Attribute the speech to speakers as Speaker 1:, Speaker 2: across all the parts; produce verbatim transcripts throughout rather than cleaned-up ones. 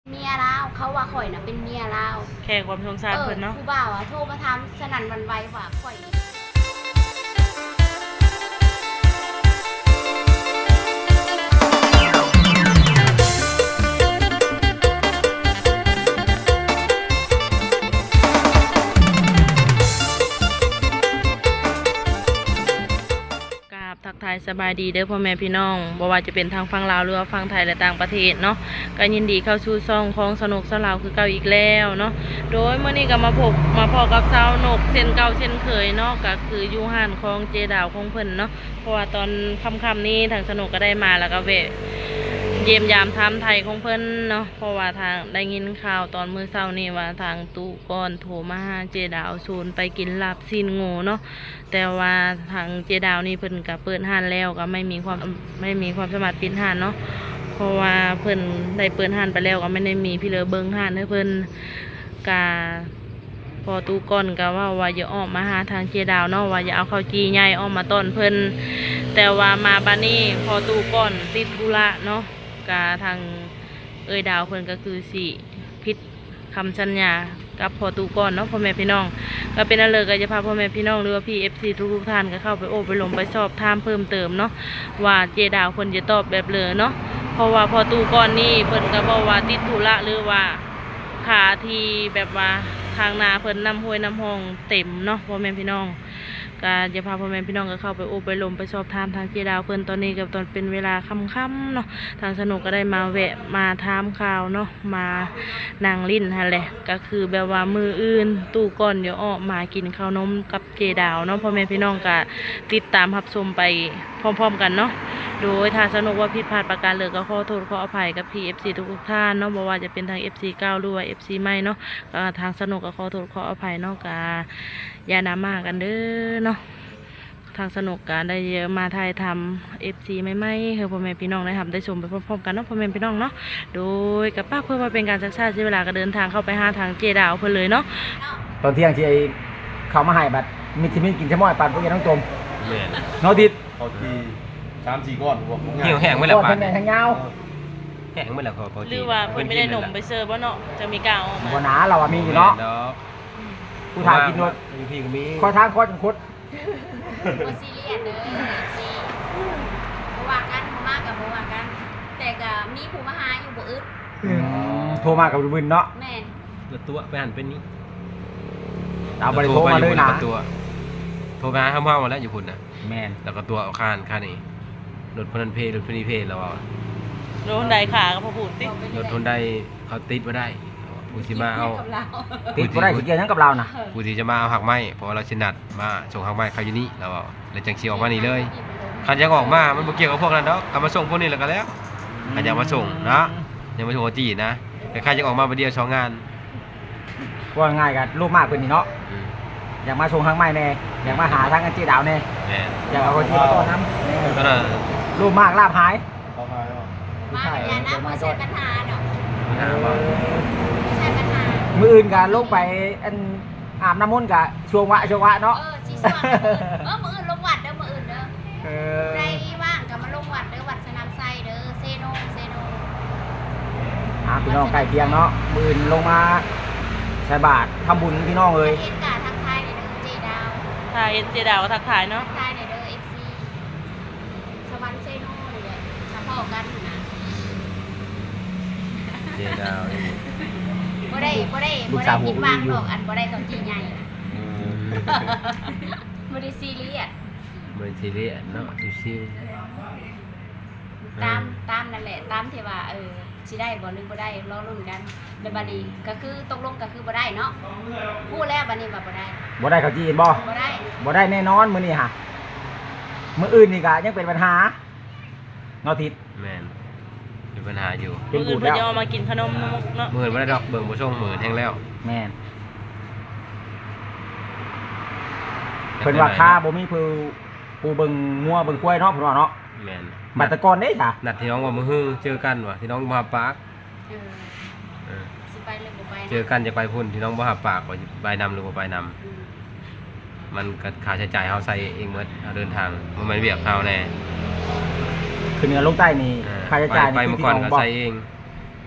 Speaker 1: เมียลาวเขาว่าข่อยน่ะเป็นเมียลาว
Speaker 2: แค่ความสงสารเพิ่นเนาะ
Speaker 1: ผู้บ่าวอ่ะโทรมาถามสนั่นหวั่นไหวว่าข่อย
Speaker 2: ทักทายสบายดีเด้อพ่อแม่พี่น้องบ่ว่าจะเป็นทางฝั่งลาวหรือว่าฝั่งไทยและต่างประเทศเนาะก็ยินดีเข้าสู่ช่องของสนุกสลาวคือเก่าอีกแล้วเนาะโดยเมื่อนี้ก็มาพบมาพอกับสาวนกเส้นเก่าเส้นเคยเนาะก็คืออยู่ห้านของเจดาวของเพิ่นเนาะเพราะว่าตอนค่ำๆนี้ทางสนุกก็ได้มาแล้วก็แวะเยี่ยมยามทำไทยของเพิ่นเนาะเพราะว่าทางได้ยินข่าวตอนมื้อเช้านี้ว่าทางตู้ก้อนโทรมาหาเจดาวซูนไปกินลาบซีนงูเนาะแต่ว่าทางเจดาวนี่เพิ่นก็เปิดห้านแล้วก็ไม่มีความไม่มีความสามารถปิดห้านเนาะเพราะว่าเพิ่นได้เปิดห้านไปแล้วก็ไม่ได้มีพี่เลอเบิ่งห้านให้เพิ่นกาพอตู้ก้อนก็ว่าว่าอย่าออกมาหาทางเจดาวเนาะว่าอย่าเอาข้าวจีใหญ่ออกมาต้อนเพิ่นแต่ว่ามาบัดนี้พอตู้ก้อนติดธุระเนาะกาทางเอ้ยดาวเพิ่นก็คือสิผิดคำสัญญากับพอตู้ก้อนเนาะพ่อแม่พี่น้องก็เป็นอะไรก็จะพาพ่อแม่พี่น้องหรือว่าพี่เอฟซีทุกๆท่านก็เข้าไปโอบไปลงไปสอบถามเพิ่มเติมเนาะว่าเจดาวเพิ่นจะตอบแบบเลยเนาะเพราะว่าพอตู้ก้อนนี่เพิ่นก็บอกว่าติดธุระหรือว่าขาที่แบบว่าทางนาเพิ่นน้ำห้วยน้ำห้องเต็มเนาะพ่อแม่พี่น้องก็จะพาพ่อแม่พี่น้องก็เข้าไปโอบไปลงไปสอบถามทางเจดาวเพิ่นตอนนี้กับตอนเป็นเวลาค่ำๆเนาะทางสนุกก็ได้มาแวะมาถามข่าวเนาะมานั่งลิ้นฮะแหละก็คือแบบว่ามืออื่นตู้ก่อนเดี๋ยวออกมากินข้าวนมกับเจดาวเนาะพ่อแม่พี่น้องก็ติดตามรับชมไปพร้อมๆกันเนาะโดยทางสนุกว่าผิดพลาดประการเลยก็ขอโทษขออภัยกับพี่ เอฟ ซี ทุกๆท่านเนาะบ่ว่าจะเป็นทาง เอฟ ซี เก่าหรือว่า เอฟ ซี ใหม่เนาะก็ทางสนุกก็ขอโทษขออภัยเนาะก็อย่าดราม่ากันเด้อเนาะทางสนุกการได้เยอะมาถ่ายทำเอฟซีไม่ไม่เฮ้พ่อแม่พี่น้องได้ทำได้ชมไปพร้อมๆกันเนาะพ่อแม่พี่น้องเนาะโดยกับป้าเพื่อมาเป็นการชักชาติใช้เวลาก็เดินทางเข้าไปหาทางเจดาวเพื่อเลยเนาะ
Speaker 3: ตอนเที่ยงที่ไอ้เขามาให้บัดมิทิมินกินชะม้อยปั่นพวกนี้ต้องจม
Speaker 4: แม่น
Speaker 3: โนติด
Speaker 4: เขาทีสามสี่ก้อนผม
Speaker 3: เหี่ยวแห้งไม่ละปานแห้งยาว
Speaker 4: แห้งไม่ละพอพอ
Speaker 2: หรือว่าเพิ่นไม่ได้หนมไปเสิร์ฟบ่เนาะจะมีกาวออกมา
Speaker 3: บัวหนาเราอะมีอยู่เนาะผู้ถ่ายกินรถ
Speaker 4: มีพี่ก็มี
Speaker 3: คอยทางคอยจังคุด
Speaker 1: บ่ซีเรียสเด้อซีบ่ว่ากันบ่มากกับบ่ว่ากัน แต่ก็มีผู้มาหาอยู่บ่อึด
Speaker 3: โทรมากับวินเนาะ
Speaker 1: แม่น
Speaker 4: ตัวตัวไปหันเป็นนี้
Speaker 3: เอาบริโทรมาเลยนะ
Speaker 4: ตัวโทรไปหาข้าวเมามาแล้วอยู่คุณน่ะ
Speaker 3: แมน
Speaker 4: แล้วก็ตัวเอาข้านข้านี่รถพนันเพรถพนีเพแล้วเอา
Speaker 2: โดนใดขาก็พอพูดติ
Speaker 4: รถทนได้เขาติดมาได้ผู้ที่มาเอา
Speaker 1: กับเรา
Speaker 3: ติดบ่ได้สิเกี่ยวยังกับเรานะ
Speaker 4: ผู้ที่จะมาเอาหักไม้เพราะเราชินัดมาส่งหักไม้เขาอยู่นี่แล้วเอาแล้วจังชีออกมานี่เลยคันยังออกมามันบ่เกี่ยวกับพวกนั้นดอกเอามาส่งพวกนี้แล้วก็แล้วคันยังมาส่งนะยังมาส่งจีนะแต่ใครจะออกมาประเดี๋ยวสองงาน
Speaker 3: ว่าง่ายกันรูปมากเป็นนี่เนาะอยากมาชงทางไม้แน่อยากมาหาทางกันจีดาวแน่
Speaker 4: แม่
Speaker 3: อยากเอาคนจีมาต้อนน้
Speaker 4: ก็น่ะ
Speaker 3: ำรูปมากลาบหาย
Speaker 1: มาอย่านะบ่ใช่ปัญหาดอก
Speaker 4: ปัญหาว่า
Speaker 1: บ่ใช่ปัญหา
Speaker 3: มืออื่นกันลงไปอันอาบน้ำมนต์กับช่วงวะช่วงวะเนาะ
Speaker 1: เออสิสว่างเออมื้ออื่นลงวัดเด้อมื้ออื่นเด้อ
Speaker 3: เออ
Speaker 1: ใครว่างก็มาลงวัดเด้อวัดสนามไซเด้อเซโนเซโน
Speaker 3: อ่าพี่น้องใกล้เคียงเนาะมืออื่นลงมาใส่บาตรทำบุญพี่น้องเลย
Speaker 1: เฮ็ดกาทักทายในเด้อเจดาว
Speaker 2: ถ้าเอเจดาวก็ทักทายเนาะ
Speaker 1: ทักทายในเด้อ เอฟ ซี สวรรค์เซโนนี่แหละถ้าพอกันนะ
Speaker 4: เจดาวนี่
Speaker 1: บ่ได้บ่ได้บ่ได้ผิดหวังดอกอันบ่ได้ต้องจีใหญ่นะ บ่ได้ซีเรียส
Speaker 4: มันซีเรียสเนาะชิว
Speaker 1: ตามตามนั่นแหละตามที่ว่าเออสิได้บ่หรือบ่ได้รอลุ้นกันแล้วบัดนี้ก็คือตกลงก็คือบ่ได้เนาะพูดแล้วบัดนี้ว่าบ่ได้
Speaker 3: บ่ได้เขาจีนบ่
Speaker 1: บ่ได้
Speaker 3: บ่ได้แน่นอนมื้อนี้ค่ะมื้ออื่นนี่ก็ยังเป็นปัญหาเนาะทิศ
Speaker 4: ๆแม่นมีปัญหาอยู่
Speaker 3: เป็น
Speaker 2: มื้อ
Speaker 3: บู
Speaker 2: อื่น
Speaker 3: ด
Speaker 2: เพิ่น
Speaker 3: แล้ว
Speaker 2: จะเอามากินขนมเนาะ
Speaker 4: หมื่นบ่ได้ดอกเบิ่งบ่ส่งหมื่นแฮงแล้ว
Speaker 3: แม่นเพิ่นว่าค่าบ่มีผู้ผู้เบิ่งงัวเบิ่งควายเนาะเพิ่นว่าเนาะ
Speaker 4: แม่น
Speaker 3: บัดตะกอนเด้จ้ะ
Speaker 4: นัดที่น้องว่ามื้อฮื้อเจอกันว่ะที่น้องบ่ฮับปาก
Speaker 1: เออ
Speaker 4: เออ
Speaker 1: สิไปหรือบ่ไปนะ
Speaker 4: เจอกันจะไปพุ่นที่น้องบ่ฮับปากว่าสิไปนำหรือบ่ไปนำ
Speaker 1: อืม
Speaker 4: มันก็ค่าใช้จ่ายเฮาใส่เองหมดเฮาเดินทางบ่แม่นเวียกเฮาแน่
Speaker 3: ขึ้นเหนือลงใต้นี่
Speaker 4: เออ
Speaker 3: ค่าใช้จ่าย
Speaker 4: ไป
Speaker 3: นี่
Speaker 4: เมื่อก่อน
Speaker 3: พี่
Speaker 4: ก็
Speaker 3: งบ่
Speaker 4: ใส่เอง
Speaker 1: บ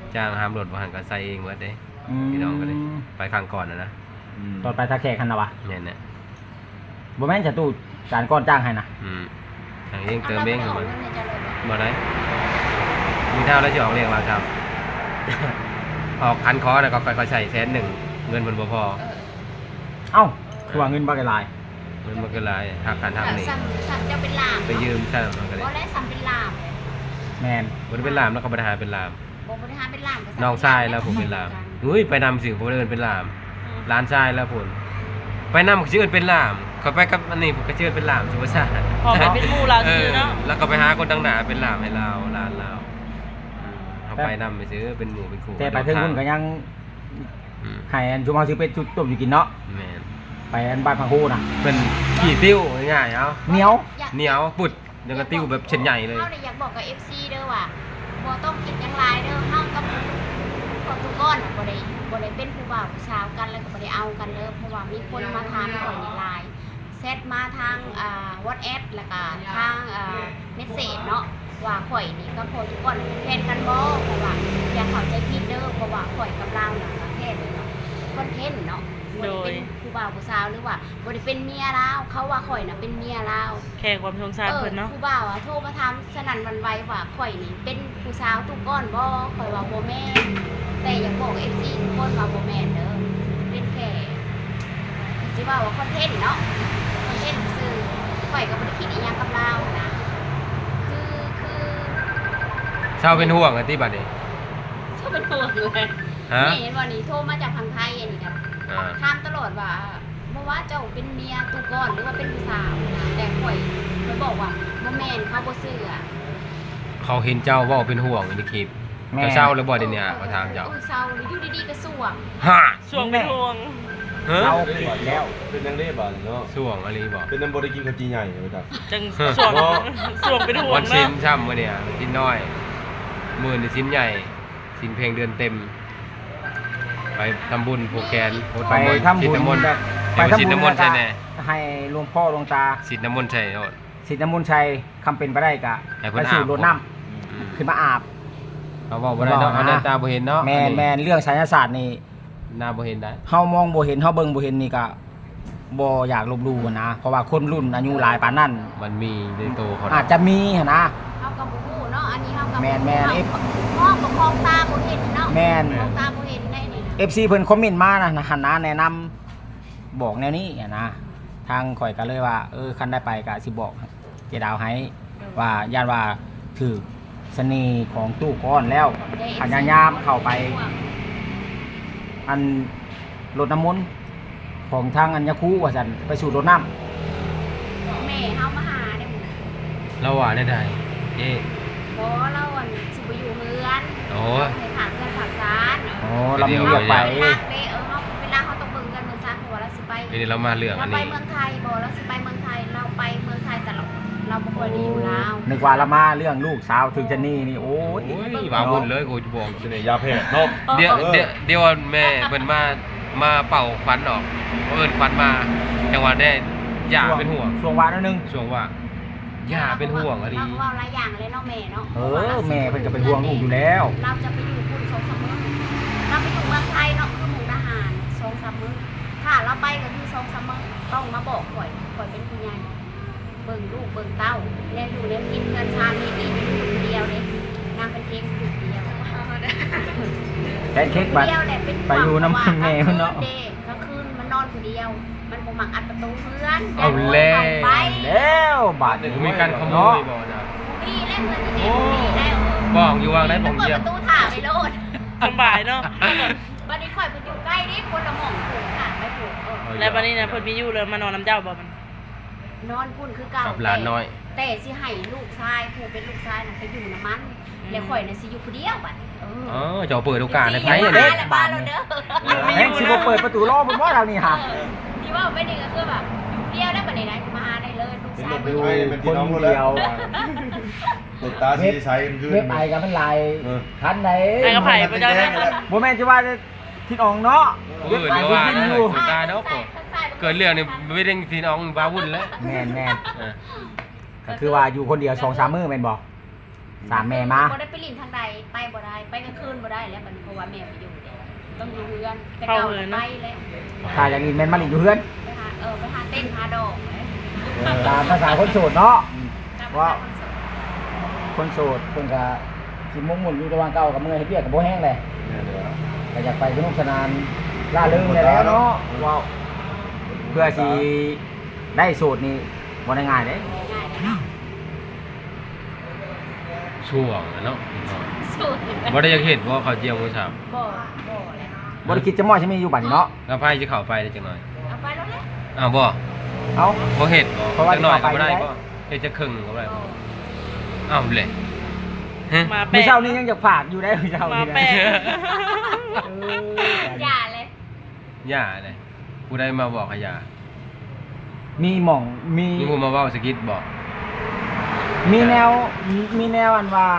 Speaker 4: จ้างห้ามรถบ่หันก็ใส่เองหมดเด้พี่น้องก็เลยไปครั้งก่อนนะนะ
Speaker 3: ตอนไปทาแขกคันนะวะ
Speaker 4: เนี่ยน่ะ
Speaker 3: บ่แม่นจะตู้จานก้อนจ้างให้นะ
Speaker 4: อืมทางเองเติมเองเหรอมัน
Speaker 1: าจะเลย
Speaker 4: บ่ได้มีเท่าแล้วจะออกเรียกว่าครับ ออกคันคอน่ะก็ค่อยๆใส่แสนหนึ่งเงินมันบ่พอ
Speaker 3: เอ้าคือว่าเงินบ่ได้หลาย
Speaker 4: เงินมันก็หลายหักการทำนี่
Speaker 1: ซ้ำซ้ำจะเป็นลาม
Speaker 4: ไปยืมใช่มันก็เลย
Speaker 1: บ่ได้ซ้ำเป็นลาม
Speaker 3: แม่น
Speaker 4: บ่ได้เป็นลามแล้วก็บ่ได้หาเป็นลาม
Speaker 1: บ่บริหารเป็นลามก็ซ้ำ
Speaker 4: น้องชายแล้วผมเป็นลามอุ้ยไปนำสิผมเดินเป็นลามร้านชายแล้วผมไปนำก็ชื่อเป็นลามเขาไปกับอันนี้ผมก็ชื่อเป็นลามสุภาษา
Speaker 2: พอไปเป็นหมู่เราซื่อเนาะ
Speaker 4: แล้วก็ไปหาคนดังหนาเป็นลามให้เราร้านเราเขาไปนำไปซื้อเป็นหมูเป็นคู่
Speaker 3: แต่ไปถึงพุ่นก็ยัง
Speaker 4: อืม
Speaker 3: ให้อันชุมเฮาสิเป็นจุดต้มอยู่กินเนาะ
Speaker 4: แม่น
Speaker 3: ไปอันบ้านพังฮูน่ะ
Speaker 4: เป็นขี่ติ้วง่ายๆเอา
Speaker 3: เหนียว
Speaker 1: อยาก
Speaker 4: เหนียวปุดยังกระติ้วแบบเช่นใหญ่เลย
Speaker 1: เฮาเลยอยากบอกกับ เอฟ ซี เด้อว่าบ่ต้องคิดหยังหลายเด้อเฮากับกับทุกคนน่ะบ่ได้บ่ได้เป็นผู้บ่าวผู้สาวกันแล้วก็บ่ได้เอากันเด้อเพราะว่ามีคนมาถามข่อยในไลน์แชทมาทางอ่า WhatsApp แล้วก็ทางอ่าเมสเสจเนาะว่าข่อยนี่ก็พอทุกคนเป็นแฟนกันบ่เพราะว่าอย่าเข้าใจผิดเด้อเพราะว่าข่อยกับเราน่ะก็แค่เป็นคอนเทนต์เนาะบ่ได้เป็นผู้บ่าวผู้สาวหรือว่าบ่ได้เป็นเมียเราเขาว่าข่อยน่ะเป็นเมียเรา
Speaker 2: แค่ความสงสารเพิ่นเนาะ
Speaker 1: ผู้บ่าวอะโทรมาถามสนั่นหวันไหวว่าข่อยนี่เป็นผู้สาวทุกก้อนบ่ข่อยว่าบ่แม่นแต่อยากบอก เอฟ ซี ทุกคนว่าบ่แม่นเด้อเป็นแค่สิว่าว่าคอนเทนต์เนาะคอนเทนต์ซื่อข่อยก็บ่ได้คิดอีหยังกับเรานะคือคือ
Speaker 4: เช้าเป็นห่วงอะที่บัดนี้
Speaker 1: ชอบเป็นห่วงเลย
Speaker 4: ฮะ
Speaker 1: นี่เห็นว่านี่โทรมาจากทางไทยอันนี้กัน
Speaker 4: อ่า
Speaker 1: ถามตลอดว่าบ่ว่าเจ้าเป็นเมียทุกก้อนหรือว่าเป็นผู้สาวนะแต่ข่อยข่อยบอกว่าบ่แม่นเขาบ่เชื่อ
Speaker 4: เขาเห็นเจ้าเว่าเป็นห่วงในคลิป
Speaker 3: แม่
Speaker 4: เจ้าเศร้าแล้วบ่เดี๋ยวนี้มาทางเจ้า
Speaker 1: ออเศร้าหรืออยู่ดีๆก็สวง
Speaker 4: ฮะ
Speaker 2: ช่วงเป็นห่วง
Speaker 4: ฮะ
Speaker 3: เราเกิดแล้ว
Speaker 5: เป็นนางเล่บานเนาะ
Speaker 4: ส่วงอะไรบอก
Speaker 5: เป็นน้ำบริกินข้าวจีใหญ่เลยจ้ะ
Speaker 2: จังช่วงช่วงเป็นห่ว
Speaker 4: วั
Speaker 2: ง
Speaker 4: นชิ้น
Speaker 2: เนาะ
Speaker 4: ช่ำมื่อเนี่ยชิ้นน้อยหมื่นชิ้นใหญ่ชิ้นเพลงเดือนเต็ม ไปทำบุญผูกแขนโพสต์
Speaker 3: ไปทำบุญ
Speaker 4: สิทธิ์น้ำมนต์
Speaker 3: แบบ
Speaker 4: ไปทำบุญน้ำมนต์ใช่แน่
Speaker 3: ให้หลวงพ่อหลวงตา
Speaker 4: สิทธิ์น้ำมนต์ใช่โน่น
Speaker 3: สิทธิ์น้ำมนต์ชัยคำเป็นไปได้กะ
Speaker 4: ให้เพิ่
Speaker 3: ไป
Speaker 4: น
Speaker 3: สู่
Speaker 4: อาบ
Speaker 3: รดน้
Speaker 4: อืม
Speaker 3: ำขึ้นมาอาบ
Speaker 4: เขาบอกว่าได้เนาะ
Speaker 3: บอกนะ
Speaker 4: เอาหน้าตาบ่เห็นเนาะ
Speaker 3: แมนแมนเรื่องไสยศาสตร์นี่
Speaker 4: หน้าบ่เห็นได้
Speaker 3: เฮามองบ่เห็นเฮาเบิ่งบ่เห็นนี่ก็บ่อยากลบหลู่นะเพราะว่าคนรุ่นอายุหลายปานนั้น
Speaker 4: มันมีในโตเขา
Speaker 3: อาจจะมีหั่นนะ
Speaker 1: เฮากับบ่ฮู้เนาะอันนี้เฮากับ
Speaker 3: แม่นแม่น
Speaker 1: เฮาเฮากับคองตาบ่เห็นเนาะ
Speaker 3: แม่น
Speaker 1: คองตาบ่เห็นได้นี่นะ
Speaker 3: เอฟ ซี เพิ่นคอมเมนต์มานะหันหน้าแนะนำบอกแนวนี้อะนะทางข่อยก็เลยว่าเออคันได้ไปก็สิบอกเจดาวให้ว่าย่านว่าถือเสน่ห์ของตู้ก้อนแล้วพยายามเข้าไป อันรดน้ำมนต์ของทางอัญญคูว่าซั่นไปสู่รดน้ำ
Speaker 1: แม่เฮามาหาได้หมด
Speaker 4: เราว่าได้ได้เอ๊
Speaker 1: บ่เราอันสิบ่อยู่เฮือน
Speaker 4: โอ้
Speaker 1: ให้ฝากเพื่อนฝากซาน
Speaker 3: อ๋อเรามีเลือกไป
Speaker 1: เฮาเด้อเฮาเวลาเฮาต้องเบิ่งกันเมืองซานเพราะว่าเราสิไป
Speaker 4: ทีนี้เรามาเรื่อง
Speaker 1: เรา
Speaker 4: อัน
Speaker 1: ไป
Speaker 4: นี้
Speaker 1: เมืองไทยบ่เราสิไปเมืองไทยเราไปเมืองไทยตลอดเราบ่ค่อยได้อยู่ลาว
Speaker 3: นึกว่าละมาเรื่องลูกสาวถึงจะนี่นี่โอ้ย
Speaker 4: โอ้ยว่าบุญเลยกูจะบอก
Speaker 5: เสน่ห์ยาแพทย์เนาะ
Speaker 4: เดี๋ยว
Speaker 5: เออ
Speaker 4: เดี๋ยวเดี๋ยวแม่เพิ่นมามาเป่าควันออกเอิ้นควันมาจังหวะได้ย่าเป็นห่วง
Speaker 3: ช่วงวานนิดนึง
Speaker 4: ช่วงว่าย่าเป็นห่วงอะดี
Speaker 1: เราก็เว้าหลายอย่างเลยเนาะแม่เนาะ
Speaker 3: เออแม่เพิ่นก็เป็นห่วงลูกอยู่แล้ว
Speaker 1: เราจะไปอยู่พุ่นสองสามมื้อเราไปอยู่เมืองไทยเนาะคือหมู่ทหารสองสามมื้อถ้าเราไปก็คือสองสามมื้อต้องมาบอกข่อยข่อยเป็นผู้ใหญ่เบิ่งลูกเบิ่งเต้าแล้วอยู่แล้วกินเงินชาตินี่อยู่คนเดียวเด้นางเป็นเพียงอยู่เดียว
Speaker 3: แพนเค้กบัด
Speaker 1: เดียวแหละเป็น
Speaker 3: ไปอยู่น้ำแม่เพิ่นเนาะ
Speaker 1: เด็กก็คืนมันนอนคนเดียว มันบ่มักอัดประตูเพื่อน
Speaker 4: เอาแล้ว
Speaker 1: ไป
Speaker 3: แล้วบาด
Speaker 4: มีการขโมยบ่นะ
Speaker 1: มีเล่นเงินนี่มีแล้ว
Speaker 4: บอกอยู่วางได้ผม
Speaker 1: เปิด
Speaker 4: เยี่ย
Speaker 1: ป
Speaker 4: ม
Speaker 1: ระตูถ่าไปโลด
Speaker 2: สำบายเนาะ
Speaker 1: บัดนี้ข่อยไปอยู่ใกล้นี่คนละหม่องผูกค่ะไปผูกเออ
Speaker 2: แล้วบัดนี้นะเพิ่นมีอยู่เลยมานอนน้ำเจ้าบ่มัน
Speaker 1: นอนพุ่นคือเก่า
Speaker 4: กับหลานน้อย
Speaker 1: แต่สิให้ลูกชายผู้เป็นลูกชายน่ะไปอยู่น้ำมัน แล้วข่อยน่ะสิอยู่คนเดียวบัดนี้เออ
Speaker 4: อ๋อเจ้าเปิดโอกาสให้ไผ
Speaker 1: ไป
Speaker 4: อัน
Speaker 1: เด้
Speaker 4: นี้
Speaker 1: บ้านเราเด้อ
Speaker 3: แม่งสิบ่เปิดประตูรอเพิ่นว่าเรานี่ฮะ
Speaker 1: ที่ว่าไม่นี่ก็คือแบบอยู่เดียวได้บัดนี้นะมาหาได้เลยลูกชาย
Speaker 5: เป็น
Speaker 1: บ่
Speaker 5: ลู
Speaker 1: อก ยู่
Speaker 5: ไทยเป็นพี่น้องกันแล้วติดตาสีใสกันขึ้น
Speaker 3: เว็บไอกับมันลาย
Speaker 5: เออ
Speaker 3: ทันไหน
Speaker 2: ไอ้กระไผ่บ่เจ้าเนี่ย
Speaker 3: บ่แม่นจะว่าทิศอองเนาะ
Speaker 4: เอ
Speaker 3: เว็บ
Speaker 4: อ
Speaker 3: ไอ
Speaker 4: เดี๋ยว
Speaker 3: ที่
Speaker 4: ว่า
Speaker 3: กิน
Speaker 4: นะ
Speaker 3: อยู่
Speaker 4: สุดตายเนาะผมเกิดเรื่องนี่ไม่ได้พี่น้องบาวุ่นแล้ว
Speaker 3: แม่นแม่น
Speaker 4: เออ
Speaker 3: ก็คือว่าอยู่คนเดียวสองสามมื้อแม่นบ่สามแม่มา
Speaker 1: บ่ได้ไปลินทางใดไปบ่ได้ไปกลางคืนบ่ได้แล้วบัดนี้เพราะว่าแม่ไปอยู่เด้ต้องอยู่เรือนแต่เก่าน่ะไปแล้ว
Speaker 3: ถ้าอย่างนี้แม่นมาลินอยู่เฮือน
Speaker 1: ไปหาเออไปหาเต้นหาดอกเลย
Speaker 3: ตามภาษาคนโสดเนาะ
Speaker 1: ว่า
Speaker 3: คนโสดเพิ่นก็สิมุ่งมุ่นอยู่ระหว่างเก่ากับเมื่อยเฮ็ดเวียกก็บ่แห้งเลยก็อยากไปสนุกสนานล่าเริงได้แล้วเนาะว้าวเพื่อสิได้โสดนี่บ่ได้ง่ายเด้
Speaker 1: ง่ายเลยเนาะ
Speaker 4: ช่วงอะเนาะ
Speaker 1: สูตร
Speaker 4: บ่ได้อยากเห็นว่าเขาเจียวมื้อเช้า
Speaker 1: บ่บ่เลย
Speaker 3: บ่ได้คิดจะมอใช่มีอยู่บัดนี้เนาะ
Speaker 4: แล้วไผสิเข้าไปได้จังหน่อย
Speaker 1: เอาไปแล้วแหละ
Speaker 4: อ้าวบ่
Speaker 3: เอ้า
Speaker 4: บ่เฮ็ดบ่
Speaker 3: เพราะว่า
Speaker 4: จังหน่อยก็บ่ได้
Speaker 3: เข้าไป
Speaker 4: บ่เฮ็ดจะครึ่งก็บ่ได้
Speaker 1: บ่
Speaker 4: อ้าวเลยฮะ
Speaker 2: มาแป
Speaker 3: มื้
Speaker 2: ล
Speaker 3: อก เช้านี้ยังอยากฝากอยู่ได้มื้อเช้า
Speaker 2: มา
Speaker 3: นี้
Speaker 2: แปลก
Speaker 3: เออ
Speaker 1: อย่าเลย
Speaker 4: ย่าเลยผู้ใดมาบอกให้ย่า
Speaker 3: มีหม่องมี
Speaker 4: มีผู้มาเว้าสกิดบอก
Speaker 3: มีแนวมีแนวอันว่า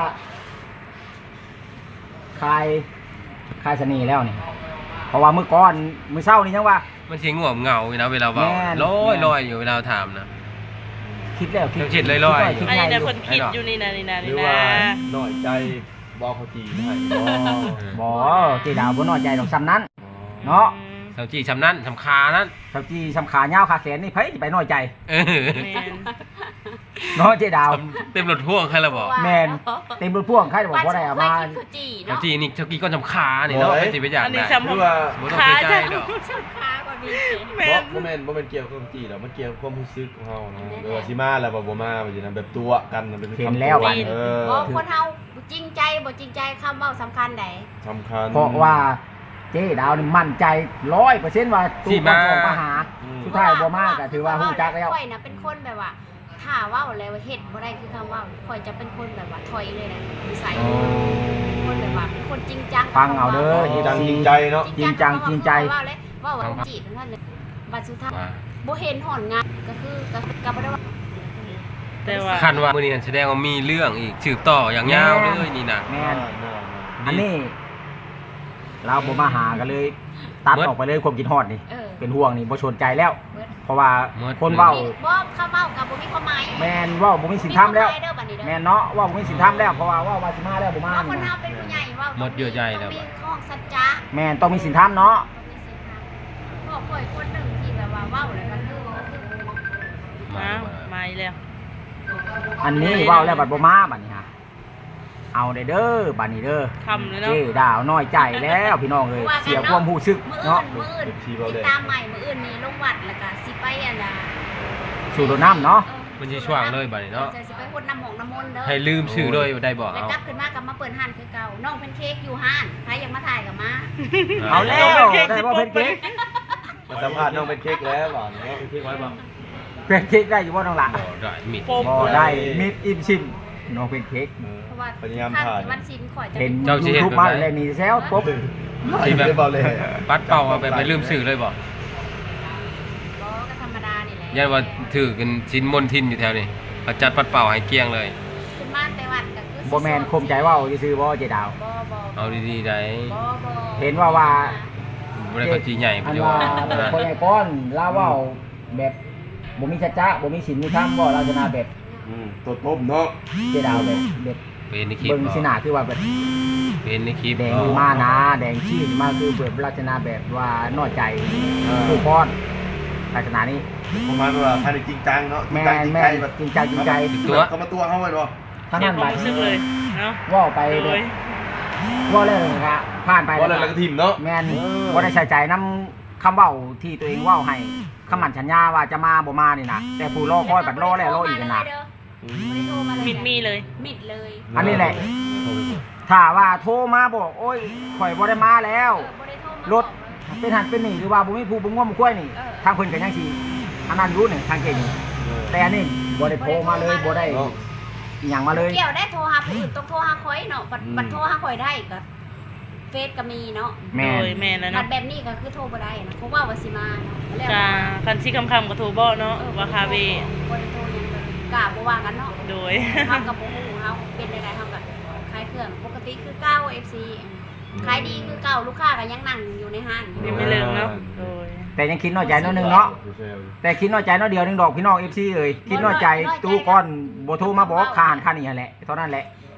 Speaker 3: คลายคลายเสน่ห์แล้วนี่เพราะว่ามื้อก่อนมื้อเช้านี่ยังว่า
Speaker 4: มันสิง่วงเหงาอยู่นะเวลาเว้า
Speaker 3: แม่น
Speaker 4: ลอย
Speaker 3: แม่น
Speaker 4: ลอยอยู่เวลาถามนะ
Speaker 3: คิดแล้ว
Speaker 4: ยังคิดลอยๆ
Speaker 3: คิด
Speaker 2: อัน
Speaker 3: ไง
Speaker 2: นี้
Speaker 3: อ
Speaker 2: แต่
Speaker 3: ยู่
Speaker 2: คนคิดอยู่นี่นะนี่นะ
Speaker 5: หรื
Speaker 2: นี่
Speaker 5: อ
Speaker 2: นะ
Speaker 5: ว่าหน่อยใจบอกเขาจีให้บ่
Speaker 3: บ่เจดาวบ่น้อยใจดอกซ้ำนั้น เนาะ
Speaker 4: สาวจีชำนั้นชำคานั้น
Speaker 3: เท่าที่สำขายาวขาแขนนี่ไผสิไปน้อยใจ
Speaker 4: เออ
Speaker 2: แมน
Speaker 3: เนาะเจดาว
Speaker 4: เต็มรถพ่วงใครละบอก
Speaker 3: แม่น เต็มรถพ่วงใครจะบอกบ่ได้เอามา
Speaker 1: บ้นฉันเคยกินข้าวจี่
Speaker 4: สาว
Speaker 1: เนาะ
Speaker 4: จีนี่ชาวกีก็ชำคาเนี่ยเนาะเป็นสิไปอยาก
Speaker 2: อันนี้
Speaker 4: ได้
Speaker 2: จำ
Speaker 5: หรือว่า
Speaker 4: บ่ต้อง
Speaker 2: ขา
Speaker 4: เสียใจ
Speaker 2: จะ
Speaker 4: ดอก
Speaker 1: ชอบค้ากว่ามี
Speaker 2: แม
Speaker 5: บ่
Speaker 2: น
Speaker 5: บ่แม่นบ่แม่นเกี่ยวกับความจีหรอกมันเกี่ยวกับความรู้สึกของเฮาเนาะเออสิมาแล้วบ่บ่มาว่าสินะแบบตัวกันมันเป็น
Speaker 3: เห็น
Speaker 5: คำ
Speaker 3: แล้ว
Speaker 5: ตัว
Speaker 3: บัดนี้
Speaker 5: เออ
Speaker 1: บ่คนเฮาจริงใจบ่จริงใจคำเว้าสำคัญใด
Speaker 5: สำคัญ
Speaker 3: เพราะว่าเจดาวนี่มั่นใจ ร้อยเปอร์เซ็นต์ ว่าตู้คนออกมาหา
Speaker 5: อืม
Speaker 3: สุดท้ายบ่มาก็ถือว่าฮู้จักแล้ว
Speaker 1: ข่อยน่ะเป็นคนแบบว่าถ้าเว้าแล้วเฮ็ดบ่ได้คือคำเว้าข่อยจะเป็นคนแบบว่าถอยเลยนะนิสัยคนแบบว่าเป็นคนจริงจัง
Speaker 3: ฟังเอาเด้อ
Speaker 5: จริงจังจริงใจเนาะ
Speaker 3: จริงจังจริงใจ
Speaker 1: เว้าเลยเว้าว่าจีบนั่นเลยบัดสุดท้าย
Speaker 4: ว่า
Speaker 1: บ่เห็นหอนงานก็คือก็ก็บ่ได้ว่า
Speaker 2: แต่ว่า
Speaker 4: คันว่ามื้อนี้นั่นแสดงว่ามีเรื่องอีกสืบต่ออย่างยาวเลยนี่นะ
Speaker 3: แม่น
Speaker 5: แม่น
Speaker 3: อันนี้ เราบ่มาหากันเลย ตัดออกไปเลยความคิดฮอดนี่
Speaker 1: เออ
Speaker 3: เป็นห่วงนี่บ่สนใจแล้ว
Speaker 1: เบิด
Speaker 3: เพราะว่าคนเว้า
Speaker 1: บ่คำเว้าก็บ่มีความหมาย
Speaker 3: แม่นเว้าบ่มีสินธรรมแล้ว
Speaker 1: เด้อบัดนี้เด้อ
Speaker 3: แม่นเนาะเว่าบ่มีสินธรรมแล้วเพราะว่าเว่าว่าสิมาแล้วบ่มา
Speaker 1: เพราะคน
Speaker 3: นี่
Speaker 1: เฮาเป็นผู้ใหญ่เว้า
Speaker 4: หมดเยื่อใยแล้ว
Speaker 1: ต้อง
Speaker 4: บั
Speaker 1: มี
Speaker 4: ด
Speaker 1: ข้องสัจจะ
Speaker 3: แม่นต้องมีสินธรรมเนาะ
Speaker 1: ต้องมีสินธรรมพ่อข่อยคนหนึงที่แบบว่าเว้าแล้วก็คือก็คือ
Speaker 2: มามาอีกแล้ว
Speaker 3: อันนี้เว้าแล้วบัดบ่มาบัดนี้ฮะเอาได้เด้อบัดนี้เด้อ
Speaker 2: คำเลย
Speaker 3: เจ้
Speaker 2: เนาะ
Speaker 3: ดาวน้อยใจแล้วพี่น้องเอ้ยเสียความรู้สึก
Speaker 1: มื้อ
Speaker 3: เนาะ
Speaker 1: อื่นมื้ออื่นติดตามใหม่มื้ออื่นนี่ลงวัดแล้วก็สิไปอันน่ะ
Speaker 3: สู่โดน้ำเนาะ
Speaker 4: มันสิช่วงเลยบัดนี้เนาะ
Speaker 1: จะสิไปคนน้ำหมองน้ำมนต์เด้อ
Speaker 4: ให้ลืมชื่อเลยได้บอก
Speaker 1: แล้ว
Speaker 4: เอา
Speaker 1: กลับขึ้นมากับมาเปิดห้านคือเก่าน้องเป็นเค้กอยู่ห้านใครอยากมาถ่ายกับมา
Speaker 3: เอาแล้วได้บ่เป็นเค้ก
Speaker 5: มาสัมภาษณ์น้องเป็นเค้กแล้วบ่เนาะ
Speaker 4: เค้กไว้บ่
Speaker 3: เป็นเค้กได้อยู่บ่น้องหล่ะ
Speaker 4: บ่ได้มิด
Speaker 2: โปม
Speaker 3: บ่ได้มิดอิ่มชิมน้องเป็นเค้ก
Speaker 1: เพราะว่า
Speaker 5: พยายาม
Speaker 1: ท่าน
Speaker 5: ถ่าย
Speaker 1: ที่วันศิลข่อยจะ
Speaker 3: เห็น
Speaker 4: เจ้าสิเฮ็ด
Speaker 3: YouTube
Speaker 4: แบบ
Speaker 3: มา
Speaker 4: ไหน
Speaker 3: แล้วนี่แซวปุ๊บ
Speaker 4: ที่แบบ
Speaker 5: ได้บ่เลย
Speaker 4: ปัดเป่าเอาไปไปลืมชื่อเลยบ่
Speaker 1: ก็ก็ธรรมดานี่แหละ
Speaker 4: ยันว่าถือกันชิ้นมนทินอยู่แถวนี้เขาจัดปัดเป่าให้เกลี้ยงเลย
Speaker 1: ขึ้นมาแต่วัดก็คือ
Speaker 3: บ่แม่นคมใจเว้าซื่อๆบ่เจดาว
Speaker 1: บ่บ่
Speaker 4: เอาดีๆได้
Speaker 1: บ่บ่
Speaker 3: เห็นว่าว่า
Speaker 4: บ่ได้เขาจีใหญ่
Speaker 3: อั
Speaker 4: บ่
Speaker 3: น
Speaker 4: ได้
Speaker 3: ว่า
Speaker 4: ว่า
Speaker 3: คนใหญ่ก้อนลาเว่าแบบบ่มีสัจจะบ่มีศีลมีธรรมบ่ลักษณะแบบ
Speaker 5: อืมตัวต้มเนาะ
Speaker 3: เจดาวแบบแบบ
Speaker 4: เป็นในคลิป
Speaker 3: เบิ่ง
Speaker 4: บ่
Speaker 3: สิหน้าคือว่าแบบ
Speaker 4: เป็นในคลิป
Speaker 3: แดง
Speaker 4: บ่
Speaker 3: ขึ้นมานะแดงชี้ขึ้นมาคือแบบลักษณะแบบว่าน้อยใจผู้พรลักษณะนี้
Speaker 5: ประมาณว่าท่านจริงจังเนาะ
Speaker 3: แม่
Speaker 5: จริง
Speaker 3: แม่
Speaker 5: ใจแบบ
Speaker 3: จริงใจจริงใจ
Speaker 4: ตัว
Speaker 5: เขามาตัวเฮาไว้บ่
Speaker 3: ทั้ง
Speaker 2: เสีย
Speaker 3: นั้น
Speaker 2: ควา
Speaker 3: บั
Speaker 2: ม
Speaker 3: ด
Speaker 2: รู้สึกเลยเนาะ
Speaker 3: เว่าไป
Speaker 2: โด
Speaker 3: แบบ
Speaker 2: ย
Speaker 3: เว่าแล้วก็ผ่านไป
Speaker 5: บ่แล้วแล้วก็ทิ่มเนาะ
Speaker 3: แม่น
Speaker 5: เออ
Speaker 3: บ่ได้ใส่ใจนํคำเว้าที่ตัวเองเว้าให้คำมั่นสัญญาว่าจะมาบ่มานี่นะแต่ผู้รอคอยบัดรอแล้วรออีกนะ
Speaker 5: อื
Speaker 1: ไม่ได้โทรมาเลย
Speaker 2: มิดมีเลย
Speaker 1: มิดเลย
Speaker 3: อันนี้แหละ ถ้าว่าโทรมาบอกโอ้ยข่อยบ่ได้มาแล้ว
Speaker 1: เออบ่ได้โทรมาร
Speaker 3: ถเป็นหันเป็นนี่หรือว่าบ่มีผู้บ่ง่วงบ่คุ้ยนี่
Speaker 1: เออ
Speaker 3: ทางเพิ่นก็ยังสิอันนั้นรู้นี่ทางเก่งนี่แต่อันนี้บ่ได้โทรมาเลยบ่ได้
Speaker 5: เนาะ
Speaker 3: อิหยังมาเลย
Speaker 1: เกี่ยวได้โทรหาผู้อื่นต้องโทรหาข่อยเนาะบัด
Speaker 5: อืม
Speaker 1: บัดโทรหาข่อยได้ก็เฟซก็มีเนาะ
Speaker 3: แม่
Speaker 2: โด
Speaker 3: น
Speaker 2: ยแม่แล้ว
Speaker 1: บั
Speaker 2: เนาะ
Speaker 1: ดแบบนี้ก็คือโทรบ่ได้นะเพราะว่าว่าสิมาเนาะแล้ว
Speaker 2: กาคันซี่คำคำกับโทรบอเนาะว่าคาเว
Speaker 1: บ่ได้โทรหยังเลยกล้าบ่ว่ากันเนาะ
Speaker 2: โดย
Speaker 1: เฮากับบ่ฮู้เฮาเป็นได้ๆเฮาก็ขายเครื่องปกติคือเก้า เอฟ ซี ขายดีคือเก่าลูกค้าก็ยังนั่งอยู่ในห้างอยู่
Speaker 2: นี่ไม่เลิงเนาะโดย
Speaker 3: แต่ยังคิดน้อยใจน้อยหนึงเนาะแต่คิดน้อยใจน้อยเดียวหนึงดอกพี่น้อง เอฟ ซี เอ้ยคิดน้อยใจตู้ก้อนบ่โทรมาบอกค่าอาหารค่านี่หั่นแหละเท่านั้นแหละ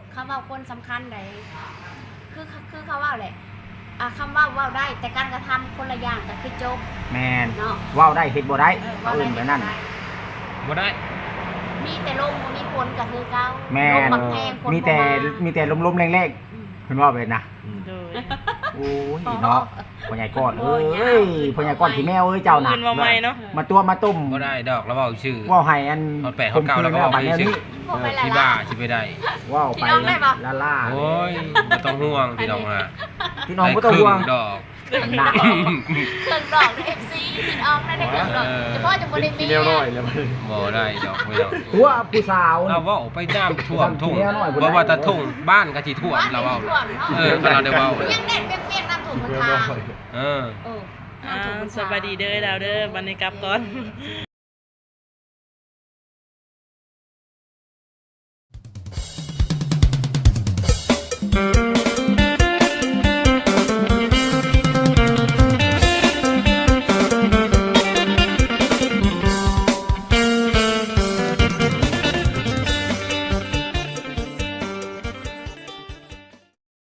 Speaker 1: เขาเว้าคนสำคัญใดคือคือเขาเว้าแหละอ่ะคำเว้าเว้าได้แต่การกระทำคนละอย่างก็คือจบ
Speaker 3: แมน
Speaker 1: เนาะ
Speaker 3: เว้าได้เฮ็ดบ่ได้
Speaker 1: เออ
Speaker 3: เอา
Speaker 1: เว้าได้
Speaker 3: อื่นไปนั่น
Speaker 4: บ่ได้
Speaker 1: มีแต่ลมบ่มีฝนก็คือเก่า
Speaker 3: แม่
Speaker 1: ลม
Speaker 3: น
Speaker 1: บักแพงฝน
Speaker 3: มีแต่
Speaker 1: บ่า
Speaker 3: มีแต่ลมๆแรง
Speaker 1: อืม
Speaker 3: ๆเพิ่นว่าไปนะ
Speaker 5: อืม
Speaker 2: โดย
Speaker 3: โอ้ยเนาะพ่อใหญ่ก้อนเอ้ยพ่อใหญ่ก้อนที่แมวเอ้ยเจ้าน่ะ
Speaker 2: อื่นมาใหม่เนาะ
Speaker 3: มาตัวมาตุ่ม
Speaker 4: บ่ได้ดอกแล้วเว้าชื่อ
Speaker 3: เว้าให้อัน
Speaker 4: เอาแปะเอาเก่าแล้วก็
Speaker 3: ข่ม
Speaker 4: เว้า
Speaker 3: ขืน
Speaker 4: ไป
Speaker 3: แล้วบัด
Speaker 4: ชื่อ
Speaker 3: นี้
Speaker 1: พวกไป
Speaker 4: เออ
Speaker 1: ละ
Speaker 4: ที่
Speaker 1: ละ
Speaker 4: บ้าสิไปได้
Speaker 3: เว้า
Speaker 1: พี่
Speaker 3: ไป
Speaker 1: น้องได้ปะ
Speaker 3: ละล่า
Speaker 4: โอ้ยบ่ต้องห่วงพี่น้องฮะ
Speaker 3: พี่น้องบ่ต้องห่วง
Speaker 4: ได้ครึ่ดอก
Speaker 3: หนัก
Speaker 1: เครื่องดอกใน เอฟ ซีพี่น้องได้ได้เครื่องดอก
Speaker 4: เออ
Speaker 1: เฉพาะจะบ่ได้มี
Speaker 5: ที่แนวน้อยเลยมัน
Speaker 4: บ่ได้ดอกไม่ดอก
Speaker 3: ตัวผู้สาว
Speaker 4: เราเว้าไปตามท่วมทุ่ง
Speaker 3: ทำที่แนวน้อยบ่ได้
Speaker 4: บ่ว่าแต่ทุ่งบ้านก็สิท่วม
Speaker 1: บ้าน
Speaker 4: เราเว้า
Speaker 1: ท่วมเนาะ
Speaker 4: เออก็เราได้เว้า
Speaker 1: ยังเด็ดเปียกๆน้ำถุงมัน
Speaker 5: แนว
Speaker 1: ทา
Speaker 5: น้
Speaker 1: ง
Speaker 5: อย
Speaker 4: เออ
Speaker 1: เออ
Speaker 2: อ่า
Speaker 1: น้ำถุงมัน
Speaker 2: สบายดีเด้อดาวเด้อบันนี้กลับก่อน